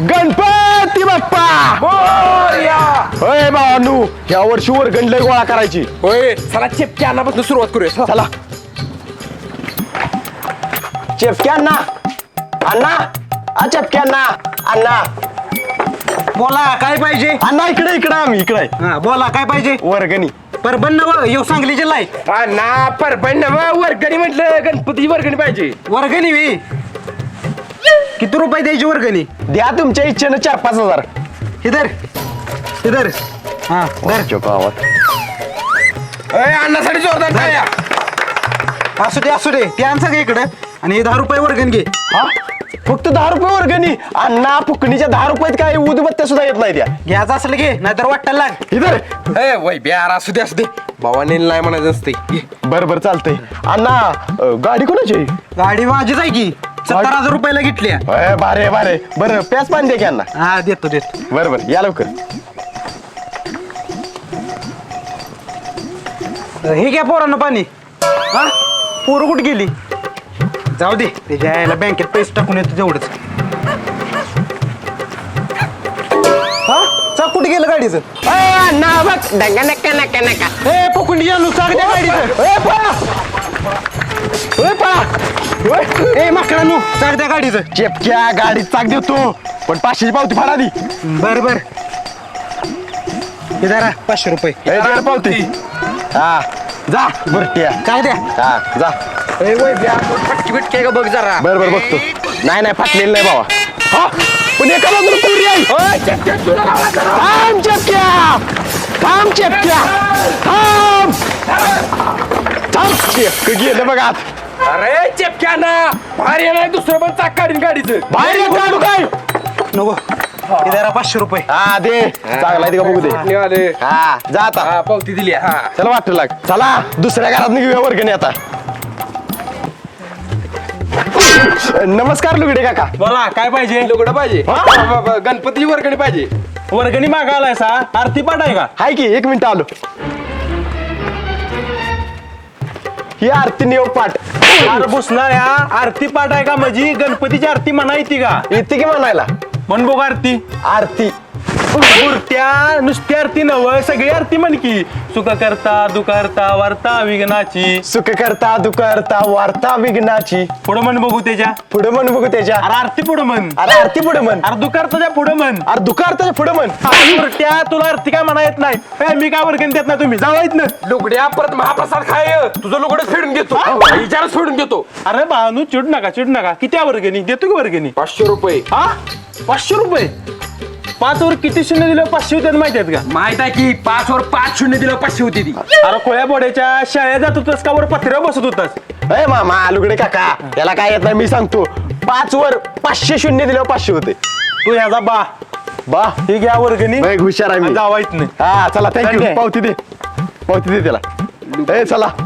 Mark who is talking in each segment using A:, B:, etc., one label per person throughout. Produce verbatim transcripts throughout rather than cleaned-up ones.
A: गणपती बाप्पा
B: मोरया.
A: होय भावानू या वर्षी वर्गण लय गोळा करायची.
B: होय चला चिपक्या अन्नापासून सुरुवात करूया.
A: चला चेपके अण्णा अण्णा आ चेपके अण्णा अण्णा
C: बोला काय पाहिजे.
A: अण्णा इकडे इकडे आम्ही इकडे
C: हा बोला काय पाहिजे.
A: वर्गणी
C: परबन नव येऊ सांगली जिल्हा आहे.
B: अण्णा परबण नव्ह, वर्गणी म्हटलं गणपतीची वर्गणी पाहिजे.
C: वर्गणी वी किती रुपये द्यायची वर्गणी.
A: द्या तुमच्या इच्छेनं चार पाच हजार.
C: इधर इधर हा धर.
A: गावात
B: अय अण्णासाठी जोरदार टाळ्या.
C: असू दे असू दे ते आण सगळं इकडं आणि हे दहा रुपये वर्गण घे.
A: हा फक्त दहा रुपये वर्गणी. अण्णा फुकणीच्या दहा रुपयात काय उदबत्त्या सुद्धा येत नाही त्या.
C: घ्यायचं असलं घे नाहीतर वाटायला लाग.
A: इधर
B: ए वय बिहार असू दे असू दे. भावाने नाही म्हणायचं असते.
A: बर बर चालतंय. अण्णा अं, गाडी कोणाची आहे?
C: गाडी माझीच आहे की सत्तर हजार रुपयाला घेतल्या.
A: अय, बारे बारे बरं प्यास पाणी दे की अण्णा.
C: हा देतो देतो.
A: बरं बरं या लवकर.
C: हे घ्या पोरांना पाणी. हा पोरं कुठे गेली. जाऊ दे त्याच्या यायला बँकेत पैसे टाकून येतो तेवढंच. हा चा कुठे गेलं गाडीचं.
A: अण्णा बघ डंगा नका नका नका.
C: ए पकुंडी आणू चाक द्या गाडीचं.
A: ए पळा ए पळा ओय.
C: ए माकडानू चाक द्या गाडीचं.
A: चेपक्या गाडीत चाक देतो पण पाचशेची पावती फाडा दी.
C: बर बर हे धरा पाचशे रुपये.
A: ए, दे पावती. हा जा बरट्या.
C: काय द्या.
A: हा जा.
B: ए वय बिहार फटकी बिटकी का बघ जरा.
A: बर बर बघतो. नाही नाही फाटलेलं नाही बाबा. हा पण एका बाजूला पुरी आहे.
B: ओय चिपक्या तुला लावा जरा.
A: थांब चेपक्या थांब चेपक्या थांब थांब. चेपक गेलं बघ आत.
B: अरे चिपक्या ना बाहेर येणार दुसरं पण चाक काढीन गाडीचं.
A: बाहेर येत काढू काय.
C: नको हे धरा पाचशे रुपये.
A: हा दे चांगला आहे ते का बघू दे.
B: निघाले.
A: हा जा आता.
B: हा पावती दिली. हा
A: चला वाटतं लाग. चला दुसऱ्या घरात घेऊया वर्गणी आता. नमस्कार लुगडे काका.
C: बोला काय पाहिजे.
B: लुगडं पाहिजे.
A: हा?
B: ब- ब- गणपतीची वर्गणी पाहिजे.
C: वर्गणी मागायलाय सा आरती पाठ आहे का.
A: हाय की एक मिनिट आलो. ही आरती नियोग पाठ
C: अरे बसणार या आरती पाठ आहे का म्हणजे गणपतीची आरती म्हणा येते का.
A: येते की म्हणायला.
C: म्हण बघ आरती.
A: आरती
C: मूर्त्या नुसती आरती नव सगळी आरती म्हण की. सुख करता दुखरता वार्ता विघ्नाची.
A: सुख करता दुखरता वार्ता विघ्नाची.
C: पुढं म्हण बघू त्याच्या.
A: पुढे म्हण बघू त्याच्या.
C: अरे आरती पुढं म्हण.
A: अरे आरती पुढे म्हण.
C: अरे दुखरताच्या पुढं म्हण.
A: अरे दुखार्थाच्या पुढे म्हण.
C: अरे मूर्त्या तुला आरती काय म्हणा येत नाही. ए, मी काय वर्गणी देत नाही तुम्ही जावा येत ना.
B: लुगड्या परत महाप्रसाद खाय. तुझं लुगडं फेडून घेतो. विचारच फेडून घेतो.
C: अरे भानू चिड नका चिड नका. किती आहे वर्गणी देतो की वर्गणी.
B: पाचशे रुपये.
C: हा पाचशे रुपये. पाच वर किती शून्य दिलं पाचशे होते माहिती आहेत का.
B: माहित आहे की पाच वर पाच शून्य दिलं पाचशे होती ती.
C: अरे खोया बोड्याच्या शाळेत जात होतास का वर पत्र्यावर बसत होतास.
A: अय मामा लुगडे काका याला काय येत नाही मी सांगतो. पाच वर पाचशे शून्य दिल्यावर पाचशे होते.
C: तू ह्याचा बा
A: बा
C: ही घ्या वर्गणी.
A: लय हुशार आहे मी.
C: जावा येत नाही.
A: हा चला थँक्यू.
C: चालतंय.
A: पावती दे पावती दे त्याला. ए चला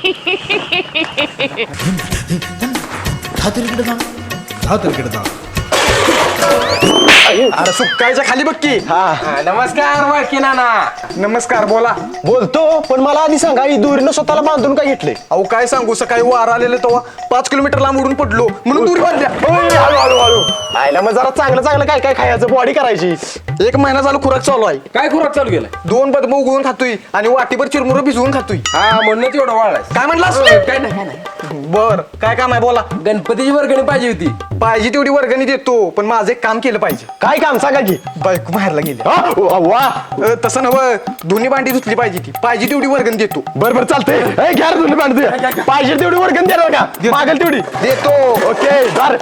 C: अरे सुकायच्या खाली बघ की.
A: हा
B: हा, नमस्कार वळकी नाना.
C: नमस्कार बोला.
A: बोलतो पण मला आधी सांगा ही दोरीनं स्वतःला बांधून काय घेतले.
C: अहो काय सांगू सकाळी वार आलेलं तेव्हा पाच किलोमीटर लांब उडून पडलो म्हणून दूर बांधल्या.
A: ओय, हळू हळू हळू आयला मग जरा चांगलं चांगलं काय काय खायचं बॉडी करायची.
C: एक महिना झाला खुराक चालू आहे.
B: काय खुराक चालू केलाय.
C: दोन बदम उगवून खातोय आणि वाटीभर चिरमुर भिजवून खातोय.
B: हा म्हणूनच एवढं वाढलाय.
C: काय म्हणलास.
B: काय नाही काय नाही.
C: बर काय काम आहे बोला.
B: गणपतीची वर्गणी पाहिजे होती.
C: पाहिजे तेवढी वर्गणी देतो पण माझं एक काम केलं पाहिजे.
A: काय काम सांगा की.
C: बायको बाहेरला गेली.
A: हा, वा वा.
C: अ, तसं नव्ह दोन्ही भांडी धुतली पाहिजे ती. पाहिजे तेवढी वर्गणी देतो.
A: बर बर चालतंय. ए, घ्या रे दोन्ही बांधते. पाहिजे तेवढी वर्गण द्या का मागेल तेवढी
C: देतो.
A: ओके दार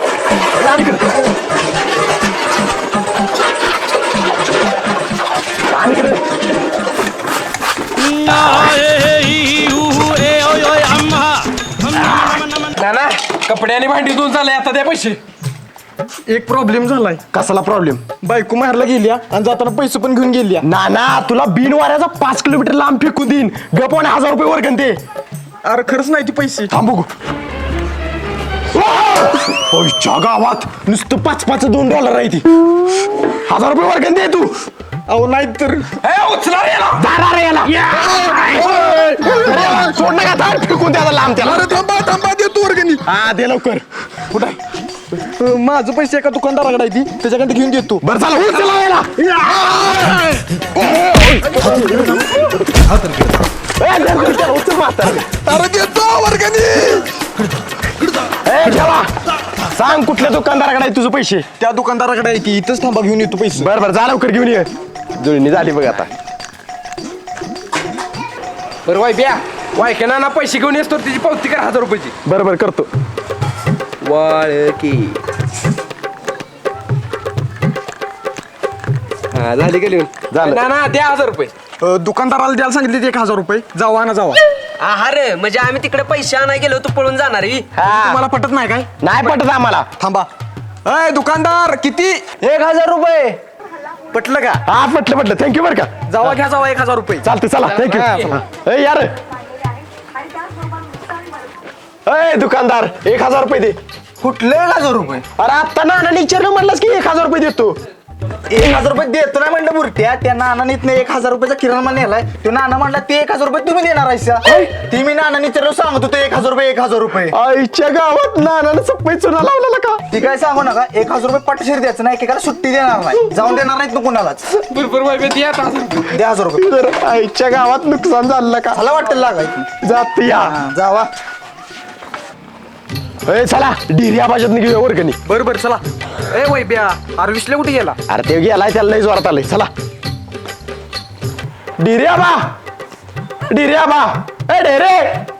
B: नाना कपडे आणि भांडी धुवून चालले आता द्या पैसे.
C: एक प्रॉब्लेम झालाय.
A: कसला प्रॉब्लेम.
C: बायको मारला गेल्या आणि जाताना पैसे पण घेऊन गेल्या.
A: ना ना तुला बिन वाऱ्याचा पाच किलोमीटर लांब फेकून देईन. गप आणि हजार रुपये वर्गण दे.
C: अरे खरंच नाही ती पैसे.
A: थांब बघू. ओयच्या गावात नुसतं पाच पाच दोन डॉलर आहे ती. हजार रुपये वर्गण दे तू.
C: अहो नाही तर
B: ए, उचला रे याला.
A: दारा रे याला. अरे, सोड नका थांब फेकून द्या लांब त्याला.
C: थांबा थांबा देतो वर्गणी.
A: हा दे लवकर. कुठं
C: अं, माझं पैसे एका दुकानदाराकडे आहे ती त्याच्याकडे घेऊन देतो
A: बरं चला हो, चला याला. ए, धर, धर, धर, उचल म्हातारं.
C: अरे देतो वर्गणी
A: ए, ठेवा. सांग कुठल्या दुकानदाराकडे आहे तुझं पैसे.
C: त्या दुकानदाराकडे आहे ती इथंच थांबा घेऊन येतो पैसे
A: बरं बरं जा लवकर घेऊन ये. जुळणी झाली बघ आता.
B: बरं वाय ब्या वाय के ना पैसे घेऊन येतो तिची पावती कर हजार रुपयाची.
A: बरं बरं करतो.
B: वाळकी हा झाली का लिहून
A: झालं.
B: ना ना द्या हजार रुपये.
C: अं, दुकानदाराला द्यायला सांगितले एक हजार रुपये जावा ना जावा
D: अरे म्हणजे आम्ही तिकडे पैसे आणाय गेलो तू पळून जाणार ही?
A: हा
C: तुम्हाला पटत नाही काय
A: नाही पटत आम्हाला.
C: थांबा अय दुकानदार किती
A: एक हजार रुपये.
C: पटलं का
A: हा पटलं पटलं थँक्यू बरं का.
C: जावा घ्या जावा एक हजार रुपये
A: चालते चला
C: हा,
A: थँक्यू. ए यार ए दुकानदार एक हजार रुपये दे.
C: कुठले एक हजार रुपये
A: अरे आत्ता नानाने विचारलं म्हणलास की एक हजार रुपये देतो.
C: एक हजार रुपये देतो नाही म्हणलं बुरट्या त्या नानाने इथनं एक हजार रुपयाचा किराणा माल नेलाय तो नाना म्हणला ते एक हजार रुपये तुम्ही देणार आहेसा ती मी नानाने विचारलं सांगत होतो एक हजार रुपये एक हजार रुपये
A: आईच्या गावात नानानं सप्पई चुना लावलेला का.
C: ती काय सांगू नका एक हजार रुपये पटशीर द्यायचं नाही एकेकाला सुट्टी देणार नाही जाऊन देणार नाहीत ना कुणालाच
B: बरोबर वाय द्या आता हजार रुपये.
C: द्या हजार रुपये
A: तर आईच्या गावात नुकसान झालं का.
C: मला वाटतं लागायची
A: जात या.
C: हा, जावा
A: ए चला डिरिया भाषेत घेऊया वर्गणी.
C: बरं बरं चला ए वै ब्या अरे विसले कुठे गेला
A: अरे ते गेलाय त्याला लई जोरात आलंय. चला डिरिया बा डिरिया बा ए डेरे.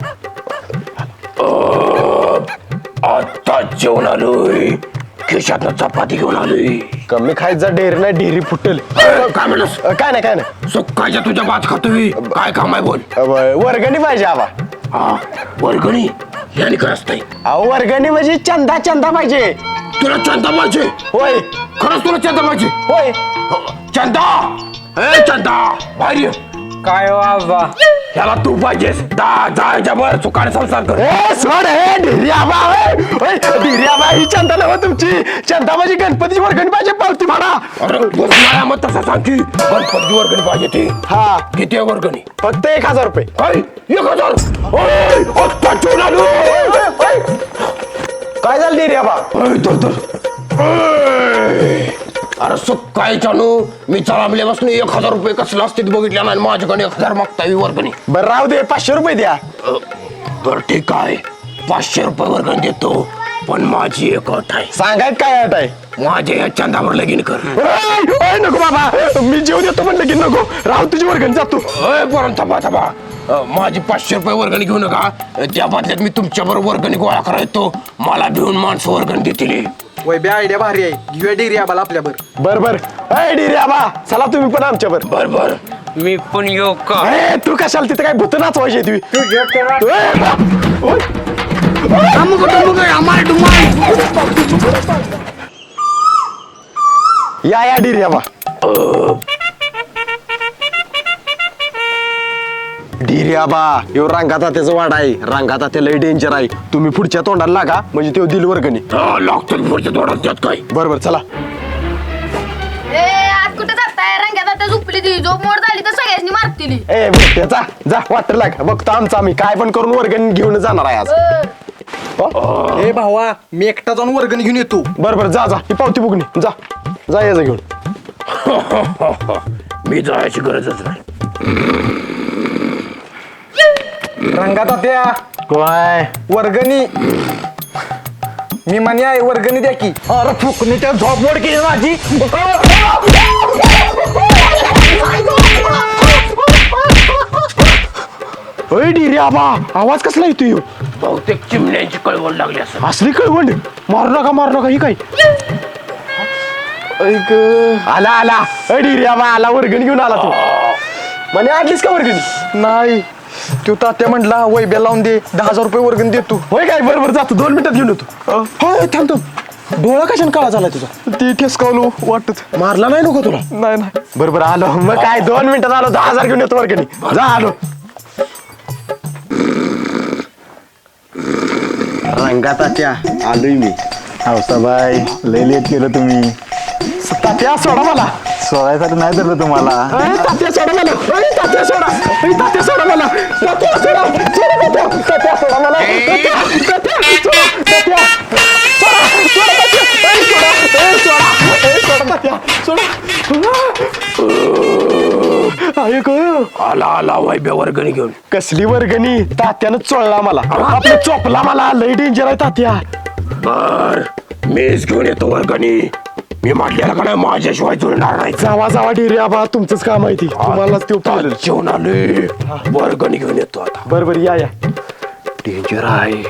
A: आता जेवण आलोय खिशातनं चपाती घेऊन आलोय. कमी खायचा डेर नाही डेरी फुटेल.
B: काय म्हणस
A: काय नाही काय नाही.
B: सुकायच्या तुझ्या भात खातोय काय काम आहे बोल.
A: अ, वर्गणी पाहिजे आबा.
B: हा वर्गणी याने काय असतंय.
A: अहो वर्गणी म्हणजे चंदा चंदा पाहिजे.
B: तुला चंदा पाहिजे
A: होय
B: खरंच तुला चंदा पाहिजे.
A: होय.
B: चंदा ए चंदा बाहेर ये.
D: काय वाजवा
B: याला तू पाहिजेस दा जायच्या वर चुकाने संसार कर.
A: ए सोड हे डिरिया बा होय डिरिया बा ही चंदा नव्ह तुमची. चंदा म्हणजे गणपतीची वर्गणी पाहिजे पावती म्हणा.
B: अरे मला मग तसं सांग की गणपती वर्गणी पाहिजे ती.
A: हा
B: किती आहे वर्गणी.
A: फक्त एक हजार रुपये.
B: काय एक हजार. ओय, आत्ता जेवण आलोय.
A: काय झालं डिरिया बा.
B: ओय, धर, धर. ओय. अरे सुकाय चानू मी चालवल्यापासून एक हजार रुपये कसला असते बघितल्या नाही माझ्याकडे एक हजार मागता येईल वर्गणी.
A: बरं राहू दे पाचशे रुपये द्या.
B: अ, बरं ठीक आहे पाचशे रुपये वर्गणी देतो पण माझी एक अट आहे.
A: सांगायत काय अट आहे.
B: माझ्या या चंदावर लगीन कर.
A: ओय, ओय, नको बाबा मी जेव देतो म्हणलं की नको राहू तुझी वर्गणी जातो.
B: अय बरं थांबा थांबा अ, माझी पाचशे रुपये वर्गणी घेऊ नका त्या बदल्यात मी तुमच्या बरोबर वर्गणी गोळा करायचो मला भिवून माणसं वर्गणी देतील.
C: वै ब्या आयडिया भारी आहे घेऊया डेरी आबाला आपल्या बर
A: बर बर ए डिरिया बा चला तुम्ही पण आमच्या बर.
B: बर बर
D: मी पण येऊ का?
A: ए तू कशाला तिथे काय भूत नाचवायची तुम्ही. या या डिरिया बा. डिरिया बा यो रंगात त्याचं वाड आहे रंगात त्या लय डेंजर आहे. तुम्ही पुढच्या तोंडाला लागा म्हणजे तो दिल वर्गणी.
B: लागतो पुढच्या थोडा त्यात काय.
A: बर बर चला.
E: ए आज कुठे जाताय रंग्यात आता झोपली ती झोप मोड झाली तर सगळ्यांनी मारतील.
A: ए बघते जा जा वाटर लाग बघतो आमचं आम्ही काय पण करून वर्गणी घेऊन जाणार आहे आज.
C: ए भावा मी एकटा जाऊन वर्गणी घेऊन येतो
A: बर बर जा जा ही पावती बुकणी जा जा याचं घेऊन.
B: मी जायची गरजच नाही.
C: रंगात त्या
A: काय
C: वर्गणी मी म्हणे आहे वर्गणी द्या की.
A: अरे फुकणी त्या झोप मोड केली माझी. ओय डिरिया बा आवाज कसला येतोय.
B: बहुतेक चिमण्यांची कळवळ लागली असं.
A: असली कळवंड मारू नका मारू नका ही काय. ऐक आला आला अय डिरिया बा आला वर्गणी घेऊन आला तू. म्हणे आणलीस का वर्गणी.
C: नाही तू तात्या म्हटला वैब्या लावून दे दहा हजार रुपये वर्गणी देतो.
A: होय काय बरोबर जातो दोन मिनिटात घेऊन येतो. होय थांबतो डोळा कशाने काळा झालाय तुझा.
C: ती ठेसकावलो वाटत
A: मारला नाही नको तुला.
C: नाही नाही
A: बरोबर आलो मग काय दोन मिनिटात आलो दहा हजार घेऊन येतो वर्गणी. जा आलो.
C: रंगा तात्या
A: आलोय मी.
C: हौसाबाई लय लेट केलं तुम्ही.
A: तात्या सोडा मला.
C: सोडायसाठी नाही धरलं तुम्हाला.
A: अरे तात्या सोडा मला अरे तात्या सोडा अरे तात्या सोडा मला तात्या सोडा सोडा तात्या तात्या सोडा मला तात्या तात्या सोडा तात्या सोडा सोडा तात्या अरे सोडा अरे सोडा अरे सोडा तात्या सोडा अरे गं
B: आला आला वैभ्या वर्गणी घेऊन.
A: कसली वर्गणी तात्यानं चोळला मला आपलं चोपला मला लय डेंजर आहे तात्या.
B: बर मीच घेऊन येतो वर्गणी. मी म्हटलेलं का नाही माझ्याशिवाय जुळणार नाही.
A: जावा जावा डेरे आबा तुमचंच काम आहे ती तुम्हालाच ते
B: आता जेवण आले वर्गणी घेऊन येतो आता.
A: बरं बरं या या
B: डेंजर आहे.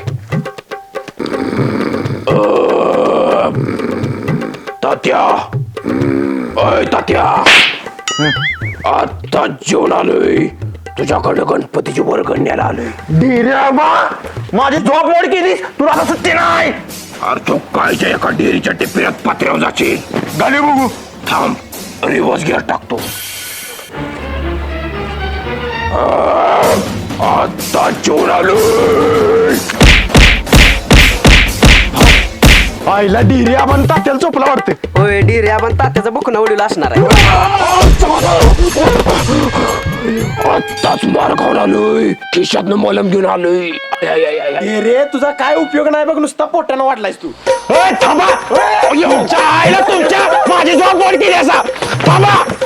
B: तात्या अय तात्या आता जेवण आलोय तुझ्याकडे गणपतीची वर्गणी न्यायला आलोय.
A: डेरे आबा माझी जॉब लोड केली तुला आता सुट्टी नाही.
B: अरे तू कायच्या एका डेअरीच्या टिप्प्यात पात्र्यावर जाशील.
A: गाली बघू
B: थांब रिवर्स गिअर टाकतो. आ, आता जेवण आलोय.
A: आईला डेरे आबा आणि तात्याला चोपला वाटते.
D: होय डिरे आपण तात्याचा बुकना उडीला असणार आहे.
B: आत्ताच मार खाऊन आलोय. खिशातनं मलम घेऊन आलोय. आय, आय, आय, आय, आय.
A: रे तुझा काय उपयोग नाही बघ नुसता पोटानं वाटलायस तू. थांबा तुमच्या आईला तुमच्या माझी जॉब लोड केली असा थांबा.